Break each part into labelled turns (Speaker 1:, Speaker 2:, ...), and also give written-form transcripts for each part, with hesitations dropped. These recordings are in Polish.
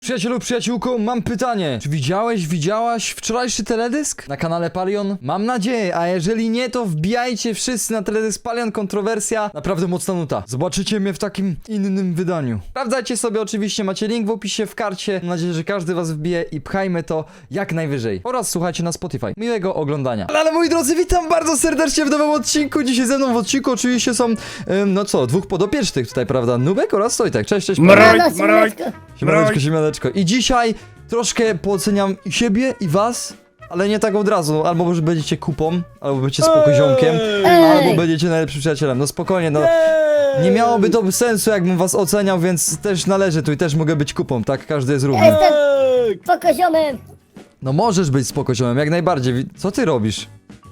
Speaker 1: Przyjacielu, przyjaciółko, mam pytanie. Czy widziałaś wczorajszy teledysk na kanale Palion? Mam nadzieję, a jeżeli nie, to wbijajcie wszyscy na teledysk Palion Kontrowersja. Naprawdę mocna nuta. Zobaczycie mnie w takim innym wydaniu. Sprawdzajcie sobie oczywiście, macie link w opisie, w karcie. Mam nadzieję, że każdy was wbije i pchajmy to jak najwyżej. Oraz słuchajcie na Spotify. Miłego oglądania. Ale moi drodzy, witam bardzo serdecznie w nowym odcinku. Dzisiaj ze mną w odcinku oczywiście są, dwóch podopiecznych tutaj, prawda? Nubek oraz Sojtek. Cześć, cześć. Siemaneczko. I dzisiaj troszkę pooceniam siebie i was, ale nie tak od razu. Albo może będziecie kupą, albo będziecie spokoziomkiem, albo będziecie najlepszym przyjacielem. No spokojnie, no. Nie miałoby to sensu, jakbym was oceniał, więc też należy tu i też mogę być kupą, tak? Każdy jest równy.
Speaker 2: Jestem spokoziomem!
Speaker 1: No możesz być spokoziomem, jak najbardziej. Co ty robisz?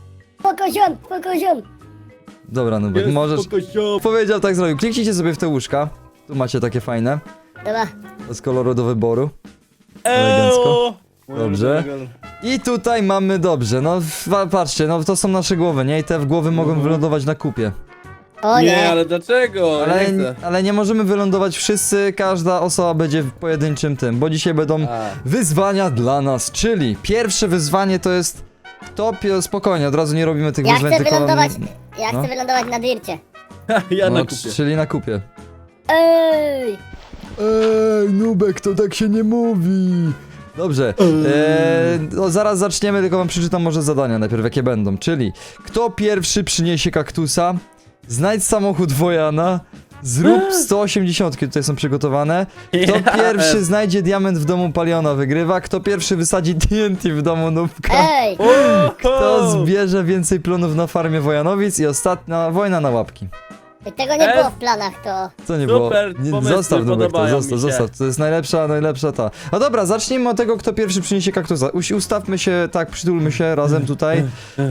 Speaker 2: Spokoziom!
Speaker 1: Dobra, Nubek, możesz... Powiedział, tak zrobił. Kliknijcie sobie w te łóżka. Tu macie takie fajne.
Speaker 2: Dobra.
Speaker 1: Z koloru do wyboru. Elegancko. Dobrze. I tutaj mamy dobrze, no patrzcie, no to są nasze głowy, nie? I te głowy mogą wylądować na kupie.
Speaker 2: O
Speaker 3: Nie,
Speaker 2: nie!
Speaker 3: ale dlaczego?
Speaker 1: Ale nie możemy wylądować wszyscy, każda osoba będzie w pojedynczym tym, bo dzisiaj będą wyzwania dla nas, czyli pierwsze wyzwanie to jest spokojnie, od razu nie robimy tych
Speaker 2: Ja
Speaker 1: wyzwań,
Speaker 2: chcę
Speaker 1: tylko...
Speaker 2: wylądować, ja
Speaker 1: no.
Speaker 2: chcę wylądować na dircie.
Speaker 3: Ja na
Speaker 1: No,
Speaker 3: kupie.
Speaker 1: czyli na kupie.
Speaker 2: Ej!
Speaker 1: Ej, Nubek, to tak się nie mówi. Dobrze, no zaraz zaczniemy, tylko wam przeczytam może zadania najpierw, jakie będą. Czyli, kto pierwszy przyniesie kaktusa, znajdź samochód Wojana, zrób 180, tutaj są przygotowane. Kto pierwszy znajdzie diament w domu Paliona, wygrywa. Kto pierwszy wysadzi TNT w domu Nubka.
Speaker 2: Ej!
Speaker 1: Kto zbierze więcej plonów na farmie Wojanowic i ostatnia wojna na łapki.
Speaker 2: Tego nie było w planach, to...
Speaker 1: Co nie
Speaker 3: Super,
Speaker 1: było? Nie,
Speaker 3: pomysły
Speaker 1: zostaw Nubek to,
Speaker 3: podobają mi się.
Speaker 1: zostaw. To jest najlepsza ta. No dobra, zacznijmy od tego, kto pierwszy przyniesie kaktusa. Ustawmy się, tak, przytulmy się razem tutaj.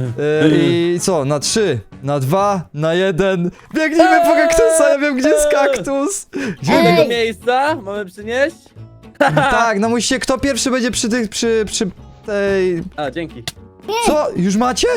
Speaker 1: I co? Na 3, na 2, na 1. Biegnijmy po kaktusa, ja wiem gdzie jest kaktus. Gdzie
Speaker 2: Ej!
Speaker 3: Tego miejsca mamy przynieść?
Speaker 1: Tak, no musicie, kto pierwszy będzie przy tej...
Speaker 3: A, dzięki.
Speaker 1: Co? Już macie?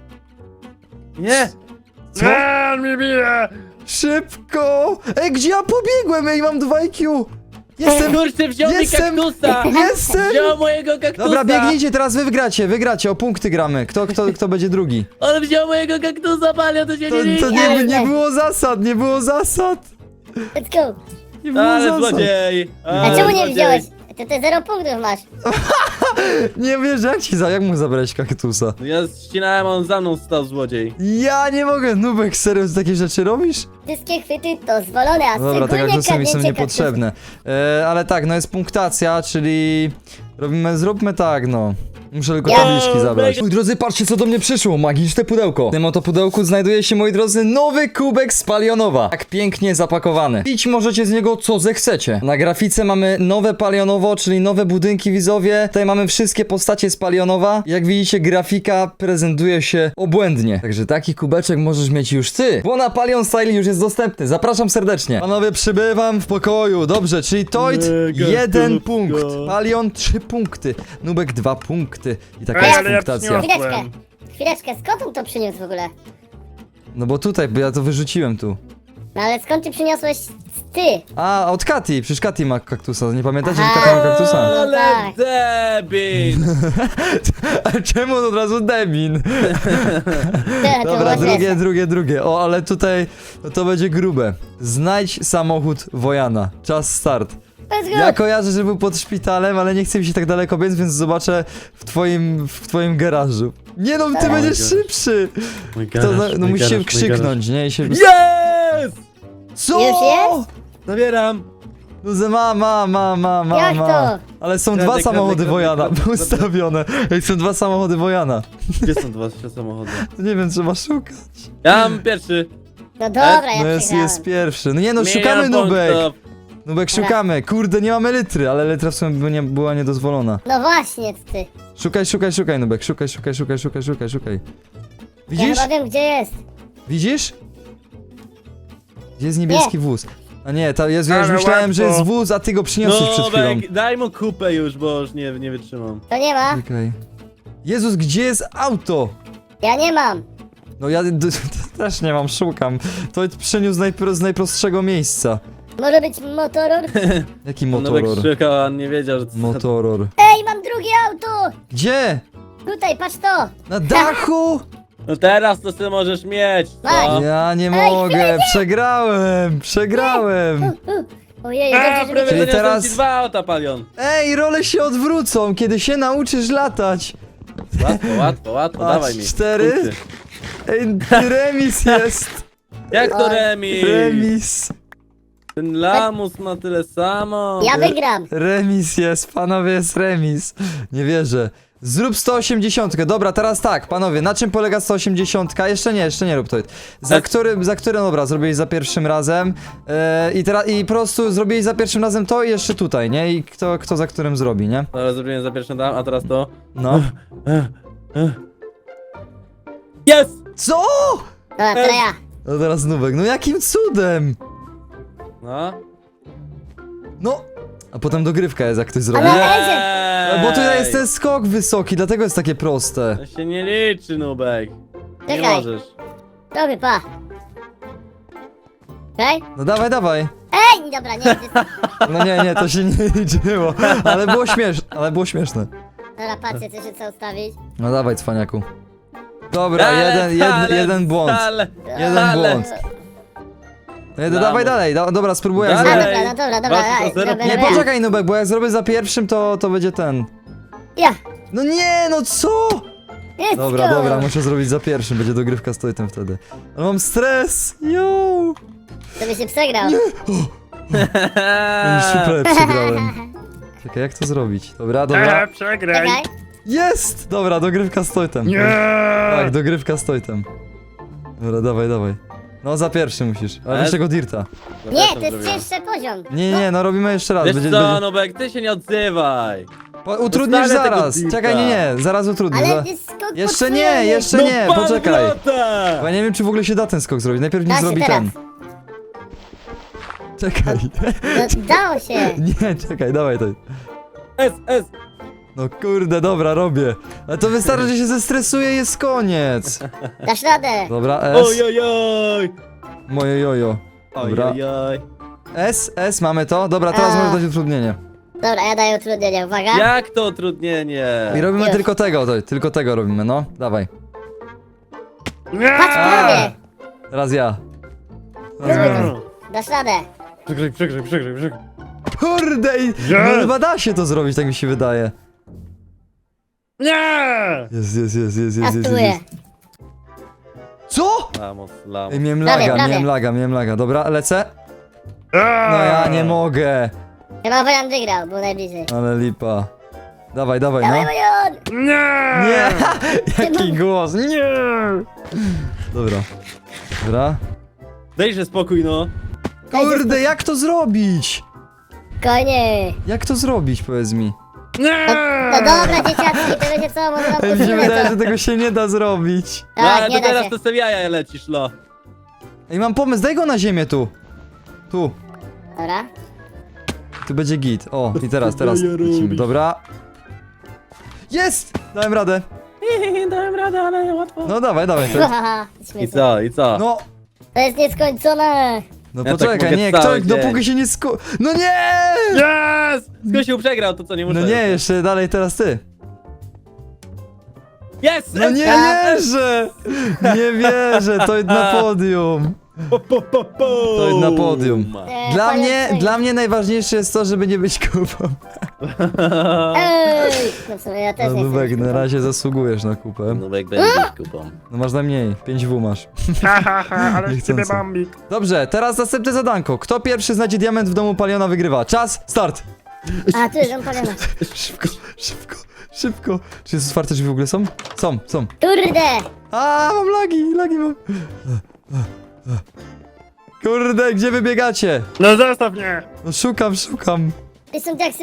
Speaker 3: Nie!
Speaker 1: Co?
Speaker 3: mnie bije!
Speaker 1: Szybko! Ej, gdzie ja pobiegłem? Ej, mam 2 IQ.
Speaker 3: Kurczę, wziął mi kaktusa!
Speaker 1: Jestem!
Speaker 3: Wziął mojego kaktusa!
Speaker 1: Dobra, biegnijcie, teraz wy wygracie, o punkty gramy. Kto będzie drugi?
Speaker 3: On wziął mojego kaktusa, Palio, to się
Speaker 1: To
Speaker 3: nie liczy!
Speaker 1: nie było zasad, nie było zasad.
Speaker 2: Let's go!
Speaker 1: Nie było
Speaker 3: Ale
Speaker 1: zasad.
Speaker 3: złodziej!
Speaker 2: A czemu nie wziąłeś? Ty 0 punktów masz.
Speaker 1: Nie wiesz, jak mógł zabrać kaktusa?
Speaker 3: No ja ścinałem, on za mną stał, złodziej.
Speaker 1: Ja nie mogę, Nubek, serio takie rzeczy robisz?
Speaker 2: Wszystkie chwyty to zwolone, a
Speaker 1: No dobra, te
Speaker 2: szczególnie
Speaker 1: kaktusy mi są
Speaker 2: kradnięcie
Speaker 1: niepotrzebne. Ale tak, no jest punktacja, czyli... Zróbmy tak, no. Muszę tylko
Speaker 2: Ja-
Speaker 1: tabliczki zabrać. Moi drodzy, patrzcie co do mnie przyszło, magiczne pudełko. W tym oto pudełku znajduje się, moi drodzy, nowy kubek z Palionowa. Tak pięknie zapakowany. Pić możecie z niego co zechcecie. Na grafice mamy nowe Palionowo, czyli nowe budynki widzowie. Tutaj mamy wszystkie postacie z Palionowa. Jak widzicie, grafika prezentuje się obłędnie. Także taki kubeczek możesz mieć już ty, bo na Palion Style już jest dostępny. Zapraszam serdecznie. Panowie, przybywam w pokoju. Dobrze, czyli Toid
Speaker 3: Mega
Speaker 1: 1
Speaker 3: tubko.
Speaker 1: punkt. Palion 3 punkty. Nubek 2 punkty. I taka
Speaker 2: Ej,
Speaker 1: jest
Speaker 2: ale
Speaker 1: punktacja.
Speaker 2: Chwileczkę, skąd on to przyniósł w ogóle?
Speaker 1: No bo tutaj, bo ja to wyrzuciłem tu.
Speaker 2: No ale skąd ty przyniosłeś ty?
Speaker 1: A, od Kati, przecież Kati ma kaktusa, nie pamiętacie, że
Speaker 2: Aha.
Speaker 1: Kati ma kaktusa?
Speaker 3: Ale
Speaker 2: tak.
Speaker 3: debil!
Speaker 1: A czemu od razu Demin?
Speaker 2: To
Speaker 1: Dobra,
Speaker 2: było śmieszne.
Speaker 1: drugie. O, ale tutaj no to będzie grube. Znajdź samochód Wojana. Czas start.
Speaker 2: Let's go!
Speaker 1: Ja kojarzę, że był pod szpitalem, ale nie chcę mi się tak daleko biec, więc zobaczę w twoim garażu. Nie no, ty
Speaker 2: Mój
Speaker 1: będziesz szybszy! No musisz się krzyknąć, nie? I się...
Speaker 3: Jest!
Speaker 1: Co?
Speaker 2: Już jest?
Speaker 3: Zabieram!
Speaker 1: No ze ma.
Speaker 2: Jak to?
Speaker 1: Ale są
Speaker 3: Kradnę,
Speaker 1: dwa
Speaker 3: kradnę,
Speaker 1: samochody
Speaker 3: kradnę,
Speaker 1: Wojana
Speaker 3: kradnę.
Speaker 1: ustawione. Ej, są 2 samochody Wojana.
Speaker 3: Gdzie są dwa samochody?
Speaker 1: Nie wiem, trzeba szukać.
Speaker 3: Ja mam pierwszy.
Speaker 2: No dobra,
Speaker 1: No
Speaker 2: ja
Speaker 1: jest
Speaker 2: przegrałem.
Speaker 1: pierwszy. No nie no,
Speaker 3: Milion
Speaker 1: szukamy Nubek.
Speaker 3: punktów.
Speaker 1: Nubek, szukamy. Kurde, nie mamy litry, ale litra w sumie była niedozwolona.
Speaker 2: No właśnie, ty.
Speaker 1: Szukaj Nubek, szukaj.
Speaker 2: Ja
Speaker 1: Widzisz?
Speaker 2: chyba wiem, gdzie jest.
Speaker 1: Widzisz? Gdzie jest niebieski wóz? A nie, ja już myślałem, że jest wóz, a ty go przyniosłeś przed chwilą.
Speaker 3: Nubek, daj mu kupę już, bo już nie wytrzymam.
Speaker 2: To nie ma.
Speaker 1: Czekaj. Jezus, gdzie jest auto?
Speaker 2: Ja nie mam.
Speaker 1: No ja też nie mam, szukam. To przyniósł z najprostszego miejsca.
Speaker 2: Może być motoror?
Speaker 1: Jaki
Speaker 3: Nubek
Speaker 1: motoror?
Speaker 3: szukał, a on nie wiedział, że...
Speaker 1: Motoror.
Speaker 2: Ej, mam drugie auto!
Speaker 1: Gdzie?
Speaker 2: Tutaj, patrz to!
Speaker 1: Na dachu?
Speaker 3: No teraz to ty możesz mieć,
Speaker 2: Daj.
Speaker 3: co?
Speaker 1: Ja nie
Speaker 2: Ej,
Speaker 1: mogę, przegrałem.
Speaker 2: Ojej,
Speaker 3: A,
Speaker 2: dobrze,
Speaker 3: prawie
Speaker 2: żeby...
Speaker 1: Czyli
Speaker 3: zaniosłem
Speaker 1: teraz-
Speaker 3: ci 2 auta, Palion.
Speaker 1: Ej, role się odwrócą, kiedy się nauczysz latać.
Speaker 3: Łatwo,
Speaker 1: Patrz,
Speaker 3: dawaj mi.
Speaker 1: 4.
Speaker 3: Punkty.
Speaker 1: Ej, remis jest.
Speaker 3: Jak to remis?
Speaker 1: Remis.
Speaker 3: Ten lamus ma tyle samo.
Speaker 2: Ja wygram!
Speaker 1: Remis jest, panowie, jest remis. Nie wierzę. Zrób 180. Dobra, teraz tak, panowie, na czym polega 180? Jeszcze nie rób to. Za którym, dobra, zrobiłeś za pierwszym razem. I po prostu zrobiłeś za pierwszym razem to i jeszcze tutaj, nie? I kto za którym zrobi, nie?
Speaker 3: Dobra, zrobiłem za pierwszym dam, a teraz to.
Speaker 1: No.
Speaker 3: Jest!
Speaker 1: Co?
Speaker 2: Dobra, teraz ja.
Speaker 1: No teraz Nubek, no jakim cudem?
Speaker 3: No.
Speaker 1: No. A potem dogrywka jest, jak ktoś zrobi.
Speaker 2: Ale-
Speaker 3: Jej!
Speaker 1: Bo tutaj jest ten skok wysoki, dlatego jest takie proste.
Speaker 3: To się nie liczy, Nubek. Nie
Speaker 2: Czekaj.
Speaker 3: możesz.
Speaker 2: Dobry, pa. Okej?
Speaker 1: No dawaj.
Speaker 2: Ej, dobra, nie,
Speaker 1: No nie, to się nie liczyło. Ale było śmieszne.
Speaker 2: dobra, patrzcie, co się chce ustawić.
Speaker 1: No dawaj, cwaniaku. Dobra,
Speaker 3: Ale,
Speaker 1: jeden błąd.
Speaker 3: ale.
Speaker 1: Jeden błąd. Dawaj dalej, dobra, spróbuję. jak
Speaker 3: Dalej.
Speaker 1: zrobię.
Speaker 2: Dobra,
Speaker 3: Walcz o zero.
Speaker 2: dobra,
Speaker 1: Nie,
Speaker 2: dobra.
Speaker 1: poczekaj, Nubek, bo jak zrobię za pierwszym, to będzie ten.
Speaker 2: Ja,
Speaker 1: No nie, no co?
Speaker 2: let's
Speaker 1: Dobra,
Speaker 2: go.
Speaker 1: muszę zrobić za pierwszym, będzie dogrywka z Tojtem wtedy. Ale mam stres, yo!
Speaker 2: To by się przegrał.
Speaker 1: Już super przegrałem. Czekaj, jak to zrobić? Dobra.
Speaker 3: Przegraj.
Speaker 2: Czekaj.
Speaker 1: Jest! Dobra, dogrywka z Tojtem. Tak, dogrywka z Tojtem. Dobra, dawaj. No, za pierwszy musisz. Ale weź tego dirta.
Speaker 2: Nie, to jest cięższy poziom.
Speaker 1: Nie, no robimy jeszcze raz.
Speaker 3: Wiesz co, Nubek, ty się nie odzywaj.
Speaker 1: Utrudnisz
Speaker 3: Dostanę tego
Speaker 1: zaraz.
Speaker 3: dirta.
Speaker 1: Czekaj, nie, zaraz utrudnisz.
Speaker 2: Ale jest skok
Speaker 1: Jeszcze nie,
Speaker 2: podwójny.
Speaker 1: jeszcze
Speaker 3: No
Speaker 1: nie,
Speaker 3: pan
Speaker 1: poczekaj.
Speaker 3: wrota!
Speaker 1: Bo ja nie wiem, czy w ogóle się da ten skok zrobić. Najpierw
Speaker 2: Da
Speaker 1: nie
Speaker 2: się
Speaker 1: zrobi
Speaker 2: teraz.
Speaker 1: ten. Czekaj.
Speaker 2: No, dało się.
Speaker 1: Nie, czekaj, dawaj to.
Speaker 3: S.
Speaker 1: No kurde, dobra, robię. Ale to wystarczy, że się zestresuję i jest koniec.
Speaker 2: Dasz radę.
Speaker 1: Dobra, S.
Speaker 3: Ojojoj.
Speaker 1: Moje jojo. Dobra.
Speaker 3: Ojojoj.
Speaker 1: S, mamy to? Dobra, teraz
Speaker 2: A.
Speaker 1: możesz dać utrudnienie.
Speaker 2: Dobra, ja daję utrudnienie, uwaga.
Speaker 3: Jak to utrudnienie?
Speaker 1: I robimy
Speaker 2: Już.
Speaker 1: tylko tego robimy, no. Dawaj.
Speaker 2: Patrz, prawie.
Speaker 1: Teraz ja.
Speaker 2: Dasz radę.
Speaker 3: Przegraj.
Speaker 1: Kurde, no chyba da się to zrobić, tak mi się wydaje.
Speaker 3: Nie!
Speaker 1: Jest.
Speaker 2: Ja spróbuję.
Speaker 1: Co?
Speaker 3: Lamos.
Speaker 1: Ej, miałem
Speaker 2: Prawie.
Speaker 1: miałem laga. Dobra, lecę. No ja nie mogę.
Speaker 2: Chyba Wojan wygrał, był najbliżej.
Speaker 1: Ale lipa. Dawaj, no.
Speaker 2: Dawaj, Wojan!
Speaker 1: Nie! Jaki głos, nie! Dobra.
Speaker 3: Dajże spokój, no.
Speaker 1: Kurde, jak to zrobić?
Speaker 2: Konie.
Speaker 1: Jak to zrobić, powiedz mi?
Speaker 2: No dobra, dzieciaczki, to wiecie co, może wam
Speaker 1: Ej, mi się
Speaker 2: posunę
Speaker 1: wydaje,
Speaker 2: to.
Speaker 1: że tego się nie da zrobić.
Speaker 3: No
Speaker 2: Tak,
Speaker 3: ale
Speaker 2: nie
Speaker 3: to
Speaker 2: da
Speaker 3: teraz
Speaker 2: się.
Speaker 3: to sobie jaja lecisz, lo.
Speaker 1: Ej, mam pomysł, daj go na ziemię tu. Tu.
Speaker 2: Dobra.
Speaker 1: Tu będzie git. O, i teraz lecimy. Dobra. Jest! Dałem radę.
Speaker 3: Dałem radę, ale łatwo.
Speaker 1: No dawaj. To,
Speaker 2: Haha,
Speaker 3: I
Speaker 2: śmieszne.
Speaker 3: co?
Speaker 1: no,
Speaker 2: To jest nieskończone.
Speaker 1: no
Speaker 3: Ja tak
Speaker 1: poczekaj,
Speaker 3: mogę
Speaker 1: nie,
Speaker 3: cały dzień.
Speaker 1: dopóki się nie No nie!
Speaker 3: Yes! Skosił przegrał, to co, nie muszę.
Speaker 1: No nie, jeszcze dalej teraz ty.
Speaker 3: Yes!
Speaker 1: No nie wierzę! Nie wierzę, to na podium. To na podium. Dla mnie najważniejsze jest to, żeby nie być kupą.
Speaker 2: Ej! No w sumie ja też
Speaker 1: No
Speaker 2: nie chcę.
Speaker 1: Nubek, na razie zasługujesz na kupę.
Speaker 3: Nubek będzie kupą.
Speaker 1: No masz najmniej, 5W masz.
Speaker 4: Ale z ciebie bambik.
Speaker 1: Dobrze, teraz następne zadanko. Kto pierwszy znajdzie diament w domu Paliona wygrywa. Czas, start!
Speaker 2: A, tu jest on palena.
Speaker 1: Szybko. Czy jest otwarte drzwi w ogóle są? Są.
Speaker 2: Kurde!
Speaker 1: A, mam lagi mam. Kurde, gdzie wy biegacie?
Speaker 4: No zostaw mnie!
Speaker 1: No szukam.
Speaker 2: To są taksy!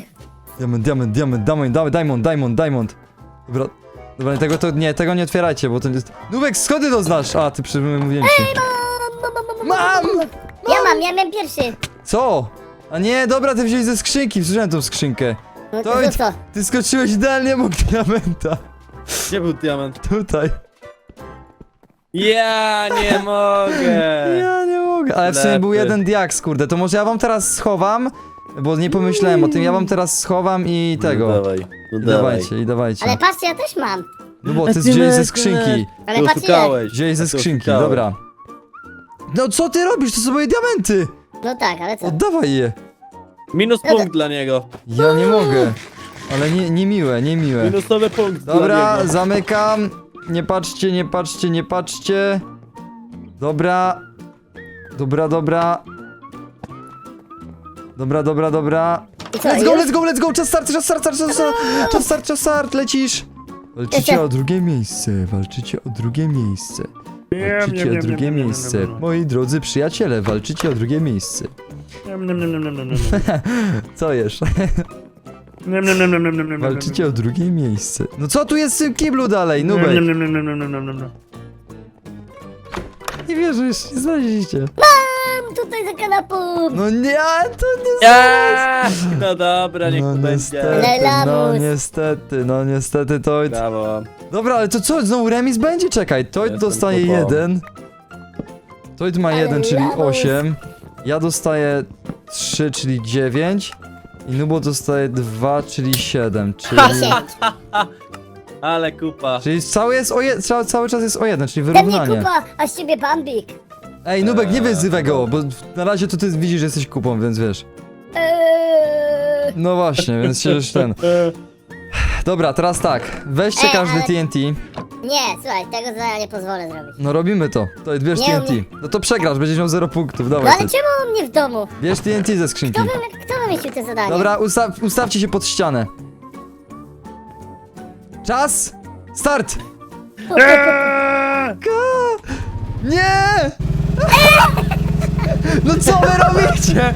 Speaker 1: Diamond. Dobra, tego nie otwierajcie, bo to jest... Nubek, skąd ty to znasz? A, ty mówiłem ci. Mam!
Speaker 2: Ja miałem pierwszy.
Speaker 1: Co? A nie, dobra, ty wziąłeś ze skrzynki, wsłyszałem tą skrzynkę.
Speaker 2: No
Speaker 1: To
Speaker 2: to co?
Speaker 1: Ty skoczyłeś idealnie obok diamenta.
Speaker 3: Gdzie był diament?
Speaker 1: Tutaj.
Speaker 3: Ja nie mogę!
Speaker 1: Ja nie mogę. mogę, ale w sumie był
Speaker 3: Ślepy.
Speaker 1: jeden diaks, kurde, to może ja wam teraz schowam, bo nie pomyślałem o tym, ja wam teraz schowam i tego.
Speaker 3: No dawaj, no
Speaker 1: I
Speaker 3: dawaj.
Speaker 1: dawajcie, i dawajcie.
Speaker 2: Ale patrzcie, ja też mam.
Speaker 1: No bo ty wziąłeś ze skrzynki.
Speaker 2: Ale
Speaker 3: Tu
Speaker 2: patrz ile.
Speaker 3: szukałeś.
Speaker 1: Wziąłeś ze
Speaker 3: Tu
Speaker 1: skrzynki,
Speaker 3: szukałeś.
Speaker 1: dobra. No co ty robisz? To są moje diamenty!
Speaker 2: No tak, ale co?
Speaker 1: Oddawaj je.
Speaker 3: Minus punkt dla niego.
Speaker 1: Ja nie mogę. Ale niemiłe, niemiłe.
Speaker 3: Minusowy punkt
Speaker 1: Dobra,
Speaker 3: dla niego.
Speaker 1: zamykam. Nie patrzcie, nie patrzcie, nie patrzcie. Dobra. Dobra, dobra. Dobra, dobra, dobra.
Speaker 2: I co,
Speaker 1: Let's go,
Speaker 2: już?
Speaker 1: let's go, let's go! Czas start, czas start, czas start, czas start, czas start, lecisz! Walczycie o drugie miejsce, walczycie o drugie miejsce. Walczycie o drugie miejsce. Moi drodzy przyjaciele, walczycie o drugie miejsce. Co jesz? Walczycie o drugie miejsce. No co tu jest w tym kiblu dalej, Nubek? Nie wierzysz, nie znaleźliście.
Speaker 2: Mam tutaj za kanapą.
Speaker 1: No nie, to nie
Speaker 3: Ja! No dobra, niech
Speaker 1: No
Speaker 3: to będzie.
Speaker 1: niestety, no
Speaker 2: Lelamus.
Speaker 1: niestety, no niestety to...
Speaker 3: Brawo.
Speaker 1: Dobra, ale to co, znowu remis będzie? Czekaj, Toid
Speaker 3: Jestem
Speaker 1: dostaje
Speaker 3: popą.
Speaker 1: 1. Toid ma
Speaker 2: Ale
Speaker 1: 1, czyli
Speaker 2: lamus.
Speaker 1: 8. Ja dostaję 3, czyli 9. I Nubo dostaje 2, czyli 7, czyli...
Speaker 2: 10.
Speaker 3: Ale kupa.
Speaker 1: Czyli cały czas jest o 1, czyli
Speaker 2: Ze mnie
Speaker 1: wyrównanie.
Speaker 2: kupa, a z ciebie bambik.
Speaker 1: Ej, Nubek, nie wyzywaj go, bo na razie to ty widzisz, że jesteś kupą, więc wiesz. No właśnie, więc się już ten... Dobra, teraz tak, weźcie
Speaker 2: Ej,
Speaker 1: każdy
Speaker 2: ale-
Speaker 1: TNT.
Speaker 2: Nie, słuchaj, tego zadania nie pozwolę zrobić.
Speaker 1: No robimy to. To bierz
Speaker 2: Nie
Speaker 1: TNT.
Speaker 2: umiem.
Speaker 1: No to przegrasz, będziesz miał 0 punktów,
Speaker 2: No
Speaker 1: dawaj.
Speaker 2: ale czemu u mnie w domu?
Speaker 1: Bierz TNT ze skrzynki.
Speaker 2: Kto wymyślił te zadanie?
Speaker 1: Dobra, ustawcie się pod ścianę. Czas! Start! Nie! No co wy robicie?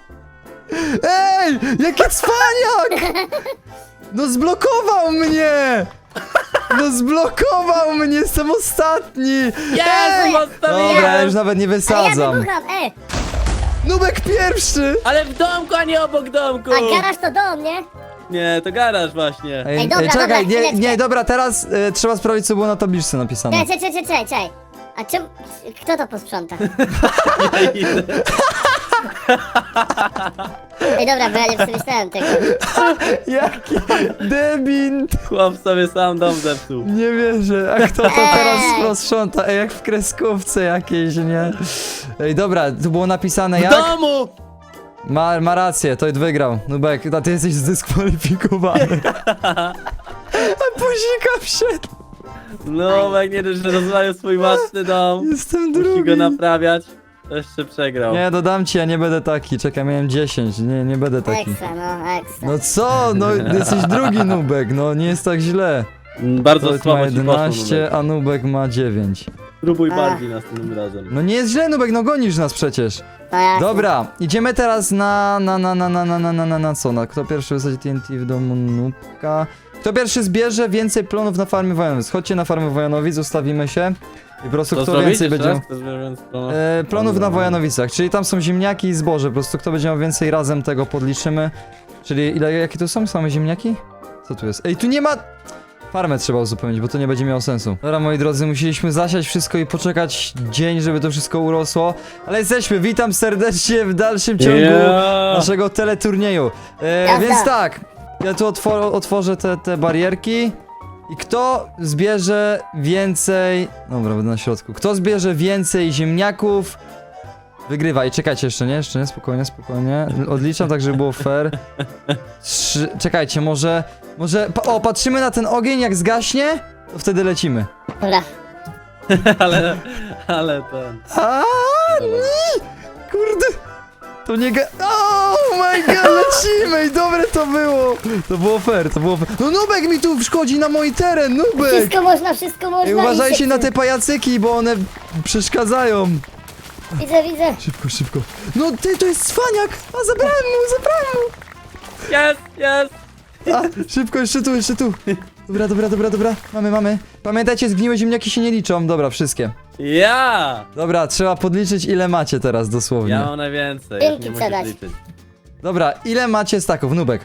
Speaker 1: Ej! Jaki cwaniak! No zblokował mnie! No zblokował mnie, jestem ostatni! Ej! Dobra, ja już nawet nie
Speaker 2: Ale ja
Speaker 1: wysadzam.
Speaker 2: wybucham,
Speaker 1: Nubek pierwszy!
Speaker 3: Ale w domku, a nie obok domku.
Speaker 2: A garaż to dom, nie?
Speaker 3: Nie, to garaż właśnie.
Speaker 2: Ej, dobra,
Speaker 1: czekaj,
Speaker 2: dobra,
Speaker 1: nie,
Speaker 2: chwileczkę.
Speaker 1: nie, dobra, teraz trzeba sprawdzić, co było na tabliczce napisane.
Speaker 2: Czekaj. A czym... Kto to posprząta? Ej, dobra, bo ja nie przemyślałem tego.
Speaker 1: Jaki debint!
Speaker 3: Chłop sobie sam dom zepsuł.
Speaker 1: Nie wierzę, a kto to teraz sprząta? Ej, jak w kreskówce jakiejś, nie? Ej, dobra, tu było napisane
Speaker 3: W
Speaker 1: jak?
Speaker 3: domu!
Speaker 1: Ma rację, to wygrał. Nubek, a ty jesteś zdyskwalifikowany. A puzika wszedł.
Speaker 3: No, jak nie dość, że rozwalił swój własny dom.
Speaker 1: Jestem
Speaker 3: Musi
Speaker 1: drugi.
Speaker 3: go naprawiać. Jeszcze przegrał.
Speaker 1: Nie, dodam ci, ja nie będę taki. Czekaj, miałem 10, nie będę taki.
Speaker 2: Ekstra, no, ekstra.
Speaker 1: No co? No jesteś drugi Nubek, no nie jest tak źle.
Speaker 3: Bardzo
Speaker 1: Toid ma
Speaker 3: słabo ci poszło,
Speaker 1: 11,
Speaker 3: Nubek.
Speaker 1: a Nubek ma 9.
Speaker 3: Spróbuj
Speaker 2: A.
Speaker 3: bardziej następnym razem.
Speaker 1: No nie jest źle Nubek, no gonisz nas przecież.
Speaker 2: No jasne.
Speaker 1: Dobra, idziemy teraz na co? Na kto pierwszy wysadzi TNT w domu Nubka? Kto pierwszy zbierze więcej plonów na farmie Wojanowic? Chodźcie na farmę Wojanowic, zostawimy się. I po prostu
Speaker 3: Co
Speaker 1: kto
Speaker 3: zrobić
Speaker 1: więcej
Speaker 3: jeszcze
Speaker 1: będzie...
Speaker 3: raz? Kto zbierze więcej plonów?
Speaker 1: Plonów na Wojanowicach, czyli tam są ziemniaki i zboże, po prostu kto będzie miał więcej razem tego podliczymy. Czyli jakie to są? Same ziemniaki? Co tu jest? Ej, tu nie ma... Farmę trzeba uzupełnić, bo to nie będzie miało sensu. Dobra, moi drodzy, musieliśmy zasiać wszystko i poczekać dzień, żeby to wszystko urosło. Ale jesteśmy, witam serdecznie w dalszym ciągu naszego teleturnieju.
Speaker 2: Jazda.
Speaker 1: Więc tak, ja tu otworzę te barierki. I kto zbierze więcej... Dobra, będę na środku. Kto zbierze więcej ziemniaków, wygrywa. I czekajcie jeszcze nie, spokojnie. Odliczam tak, żeby było fair. Czekajcie, może... patrzymy na ten ogień, jak zgaśnie, to wtedy lecimy.
Speaker 2: Dobra.
Speaker 3: Ale ten...
Speaker 1: A nie! Kurde! To nie oh my god, lecimy! I dobre to było! To było fair. No Nubek mi tu wchodzi na mój teren, Nubek!
Speaker 2: Wszystko można.
Speaker 1: Ej, uważajcie na te pajacyki, bo one przeszkadzają.
Speaker 2: Widzę.
Speaker 1: Szybko. No ty, to jest cwaniak! A zabrałem mu!
Speaker 3: Jest!
Speaker 1: A, szybko, jeszcze tu. Dobra. Mamy. Pamiętajcie, zgniłe ziemniaki się nie liczą. Dobra, wszystkie.
Speaker 3: Ja!
Speaker 1: Dobra, trzeba podliczyć, ile macie teraz dosłownie.
Speaker 3: Ja mam najwięcej.
Speaker 2: Dzięki,
Speaker 3: już nie
Speaker 2: Cedać.
Speaker 3: musisz liczyć.
Speaker 1: Dobra, ile macie staków, Nubek?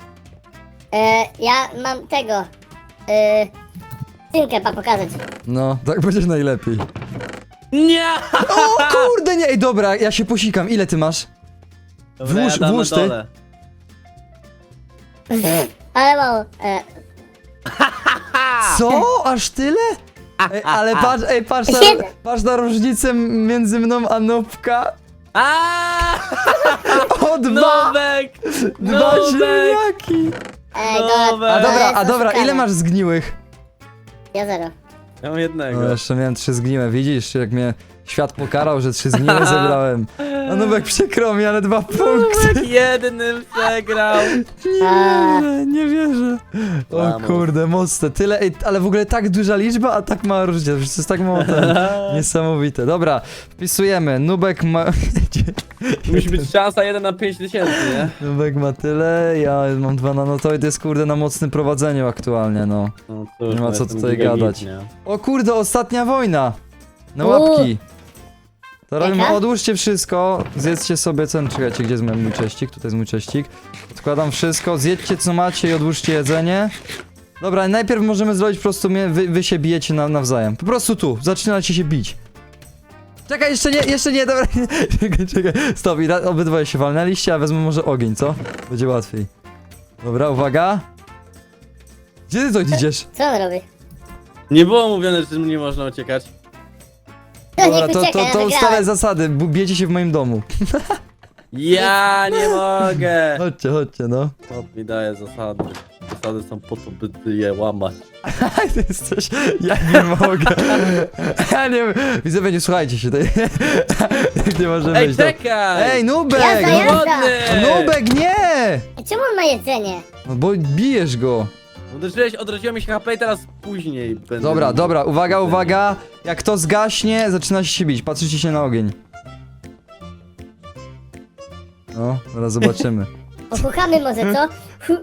Speaker 2: Ja mam tego. Synkę, pokazać.
Speaker 1: No, tak będzie najlepiej.
Speaker 3: Nie!
Speaker 1: O kurde, nie, ej, dobra, ja się posikam, ile ty masz?
Speaker 3: Dobra,
Speaker 1: Włóż-
Speaker 3: ja dam
Speaker 1: włóż
Speaker 3: na
Speaker 1: ty.
Speaker 3: dole.
Speaker 2: Ale mało.
Speaker 1: Co? Aż tyle? Ej, ale patrz, patrz na różnicę między mną a Nubka.
Speaker 3: Aaaa!
Speaker 1: O, dwa!
Speaker 3: Nubek!
Speaker 1: Dwa
Speaker 3: Nubek!
Speaker 1: ziemniaki!
Speaker 2: Ej,
Speaker 3: Dobra.
Speaker 1: A dobra,
Speaker 2: oszukane.
Speaker 1: ile masz zgniłych?
Speaker 2: Ja 0.
Speaker 3: Ja mam jednego.
Speaker 1: No jeszcze miałem 3 zgniłe, widzisz, jak mnie świat pokarał, że 3 zgniłe zebrałem. A Nubek przykro mi, ale 2 punkty.
Speaker 3: Nubek jednym przegrał.
Speaker 1: Nie wierzę. O
Speaker 3: Vamos.
Speaker 1: kurde, mocne. Tyle, ej, ale w ogóle tak duża liczba, a tak mała różnica. To jest tak mało ten. Niesamowite. Dobra, wpisujemy. Nubek ma...
Speaker 3: Musi być szansa 1 na 5000, nie?
Speaker 1: Nubek ma tyle, ja mam 2 na no to jest kurde na mocnym prowadzeniu aktualnie, no.
Speaker 3: No cóż,
Speaker 1: Nie ma
Speaker 3: no
Speaker 1: co
Speaker 3: jestem
Speaker 1: tutaj
Speaker 3: gigabit,
Speaker 1: gadać.
Speaker 3: nie?
Speaker 1: O kurde, ostatnia wojna. Na
Speaker 2: Uuu.
Speaker 1: łapki. To robimy,
Speaker 2: Jaka?
Speaker 1: odłóżcie wszystko, zjedzcie sobie ten, czekajcie, gdzie jest mój cześcik? Tutaj jest mój cześcik. Odkładam wszystko, zjedźcie co macie i odłóżcie jedzenie. Dobra, najpierw możemy zrobić po prostu, wy się bijecie nawzajem. Po prostu tu, zaczynacie się bić. Czekaj, jeszcze nie, dobra, czekaj, stop, i obydwoje się walnęliście, a wezmę może ogień, co? Będzie łatwiej. Dobra, uwaga. Gdzie ty to idziesz?
Speaker 2: Co on robi?
Speaker 3: Nie było mówione, że nie można uciekać.
Speaker 1: Dobra,
Speaker 2: niech
Speaker 1: to
Speaker 2: ucieka, ja
Speaker 1: ustalę
Speaker 2: wygrałem.
Speaker 1: zasady, bijecie się w moim domu.
Speaker 3: Ja nie mogę!
Speaker 1: Chodźcie, no.
Speaker 3: Chłop mi daje zasady. Zasady są po to, by je łamać.
Speaker 1: Ty jesteś, ja nie mogę. Ja nie wiem. Widzowie, nie słuchajcie się. Tutaj. Nie możemy
Speaker 3: Ej,
Speaker 1: iść. No.
Speaker 3: czekaj!
Speaker 1: Ej, Nubek!
Speaker 2: Jazda,
Speaker 1: No,
Speaker 2: jazda.
Speaker 3: Głodny!
Speaker 1: Nubek, nie!
Speaker 2: Ej, czemu on ma jedzenie?
Speaker 1: No bo bijesz go.
Speaker 3: Odrodziło mi się HP i teraz później będę...
Speaker 1: Dobra, uwaga. Jak to zgaśnie, zaczyna się bić. Patrzycie się na ogień. No, zaraz zobaczymy.
Speaker 2: Pochuchamy może, co?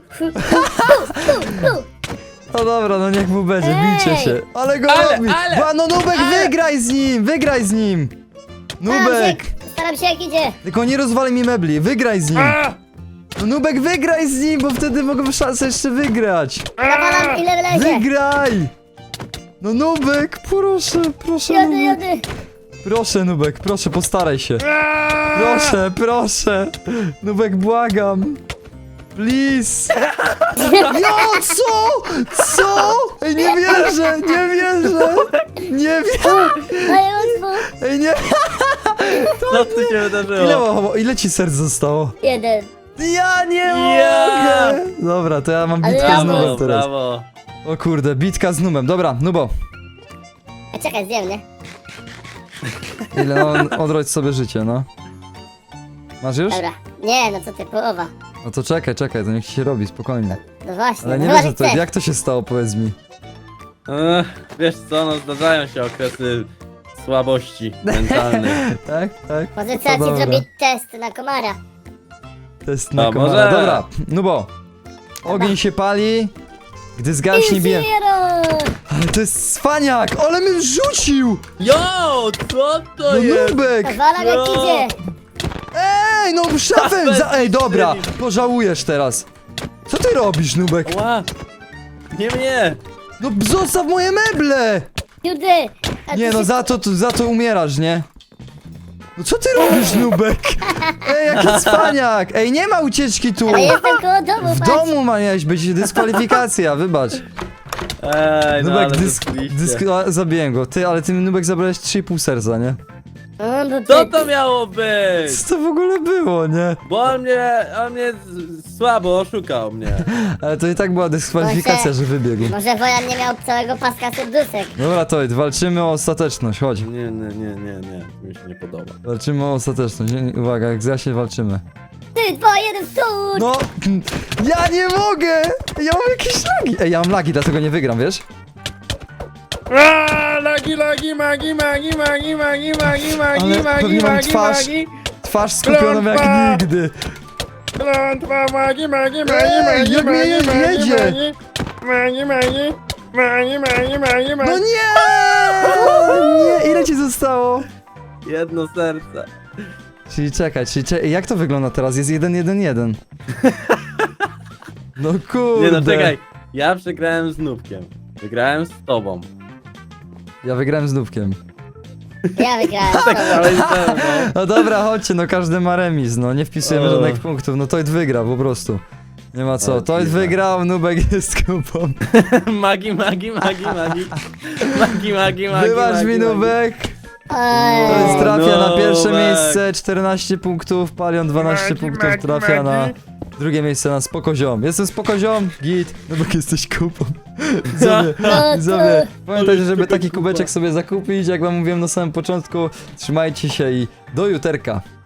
Speaker 2: Hu.
Speaker 1: No dobra, no niech mu będzie,
Speaker 2: Ej!
Speaker 1: bijcie się. Ale go
Speaker 3: Ale,
Speaker 1: robi!
Speaker 3: ale!
Speaker 1: No Nubek, wygraj z nim! Nubek!
Speaker 2: Staram się jak idzie.
Speaker 1: Tylko nie rozwalaj mi mebli, wygraj z nim!
Speaker 4: A!
Speaker 1: No Nubek, wygraj z nim, bo wtedy mogę szansę jeszcze wygrać!
Speaker 2: Nawalam ile wlezie.
Speaker 1: Wygraj! No Nubek, proszę
Speaker 2: Jody,
Speaker 1: Nubek.
Speaker 2: jody.
Speaker 1: Proszę Nubek, proszę, postaraj się.
Speaker 4: A!
Speaker 1: Proszę! Nubek, błagam! Please! No, co? Ej, nie wierzę!
Speaker 2: Daję łatwo.
Speaker 1: Ej, nie!
Speaker 3: Co tu się wydarzyło?
Speaker 1: Ile ci serc zostało?
Speaker 2: 1.
Speaker 1: Ja nie
Speaker 3: Ja!
Speaker 1: mogę! Dobra, to ja mam
Speaker 2: Ale
Speaker 1: bitkę
Speaker 2: ja
Speaker 1: z Nubem
Speaker 3: Brawo,
Speaker 1: teraz.
Speaker 3: brawo.
Speaker 1: O kurde, bitka z Nubem. Dobra, Nubo.
Speaker 2: A czekaj, zjem, nie?
Speaker 1: Ile odrodź sobie życie, no. Masz już?
Speaker 2: Dobra. Nie, no co ty, połowa.
Speaker 1: No to czekaj, to niech ci się robi, spokojnie.
Speaker 2: No właśnie,
Speaker 1: Ale nie
Speaker 2: no
Speaker 1: wiesz,
Speaker 2: chyba,
Speaker 1: to,
Speaker 2: że chcesz.
Speaker 1: jak to się stało, powiedz mi.
Speaker 3: Wiesz co, no zdarzają się okresy słabości mentalnej.
Speaker 1: Tak?
Speaker 2: Może
Speaker 1: To
Speaker 2: trzeba ci
Speaker 1: dobra.
Speaker 2: zrobić test na komara.
Speaker 1: Test na
Speaker 3: A,
Speaker 1: komara.
Speaker 3: może?
Speaker 1: Dobra, Nubo. Ogień się pali, gdy zgaśnie bije.
Speaker 2: Zero!
Speaker 1: Ale to jest cwaniak! Ale mnie rzucił!
Speaker 3: Jo, co to
Speaker 1: No
Speaker 3: jest?
Speaker 1: Nubek!
Speaker 2: Pozwalam jak
Speaker 3: No.
Speaker 2: idzie.
Speaker 1: Ej, no szafem! Ej, dobra, pożałujesz teraz. Co ty robisz, Nubek?
Speaker 3: Ła! Nie mnie!
Speaker 1: No zostaw moje meble!
Speaker 2: Judy! a
Speaker 1: Nie
Speaker 2: ty
Speaker 1: no,
Speaker 2: się-
Speaker 1: za to umierasz, nie? No co ty robisz, Nubek? Ej, jaki cwaniak! Ej, nie ma ucieczki tu!
Speaker 2: Ale jestem koło domu,
Speaker 1: W
Speaker 2: patrz.
Speaker 1: domu miałeś być, dyskwalifikacja, wybacz.
Speaker 3: Ej, no
Speaker 1: Nubek,
Speaker 3: ale rzeczywiście.
Speaker 1: zabiłem go. Ty, ale ty Nubek zabrałeś 3,5 serca, nie?
Speaker 2: No, bo
Speaker 3: Co
Speaker 2: ty...
Speaker 3: to miało być?
Speaker 1: Co to w ogóle było, nie?
Speaker 3: Bo on mnie słabo oszukał mnie.
Speaker 1: Ale to i tak była dyskwalifikacja,
Speaker 2: Może-
Speaker 1: że wybiegł.
Speaker 2: Może Wojan nie miał całego paska serduszek.
Speaker 1: Dobra, to walczymy o ostateczność, chodź.
Speaker 3: Nie, mi się nie podoba.
Speaker 1: Walczymy o ostateczność. Uwaga, jak zjaśnie walczymy.
Speaker 2: 3, 2, 1, stój!
Speaker 1: No, ja nie mogę! Ja mam jakieś lagi. Ej, ja mam lagi, dlatego nie wygram, wiesz?
Speaker 4: A! Lagi, magi.
Speaker 1: Ale pewnie mam twarz skupioną jak
Speaker 4: Klątwa!
Speaker 1: nigdy.
Speaker 4: Klątwa, magi.
Speaker 1: Ej, jak mnie jedzie! No nie! Nie, ile ci zostało?
Speaker 3: Jedno serce.
Speaker 1: Czyli czekaj, jak to wygląda teraz? Jest 1-1-1. No kurde.
Speaker 3: Nie no, czekaj. Ja przegrałem z Nubkiem. Wygrałem z tobą.
Speaker 1: Ja wygrałem z Nubkiem.
Speaker 2: Ja wygrałem.
Speaker 3: Tak, ale no.
Speaker 1: No dobra, chodźcie, no każdy ma remis, no nie wpisujemy
Speaker 3: O.
Speaker 1: żadnych punktów, no Toid wygrał po prostu. Nie ma co,
Speaker 3: O,
Speaker 1: Toid
Speaker 3: dziwne.
Speaker 1: wygrał, Nubek jest kupą.
Speaker 3: Magi.
Speaker 1: Wybacz mi, Nubek.
Speaker 2: Oj.
Speaker 1: Toid trafia na pierwsze
Speaker 3: Nubek.
Speaker 1: miejsce, 14 punktów, Palion 12
Speaker 4: Magi,
Speaker 1: punktów
Speaker 4: magi,
Speaker 1: trafia na
Speaker 4: magi.
Speaker 1: drugie miejsce na Spokoziom. Jestem Spokoziom, git, Nubek jesteś kupą. Widzowie,
Speaker 2: No,
Speaker 1: widzowie, pamiętajcie, żeby
Speaker 3: Tylko
Speaker 1: taki
Speaker 3: kupa.
Speaker 1: kubeczek sobie zakupić, jak wam mówiłem na samym początku. Trzymajcie się i do juterka.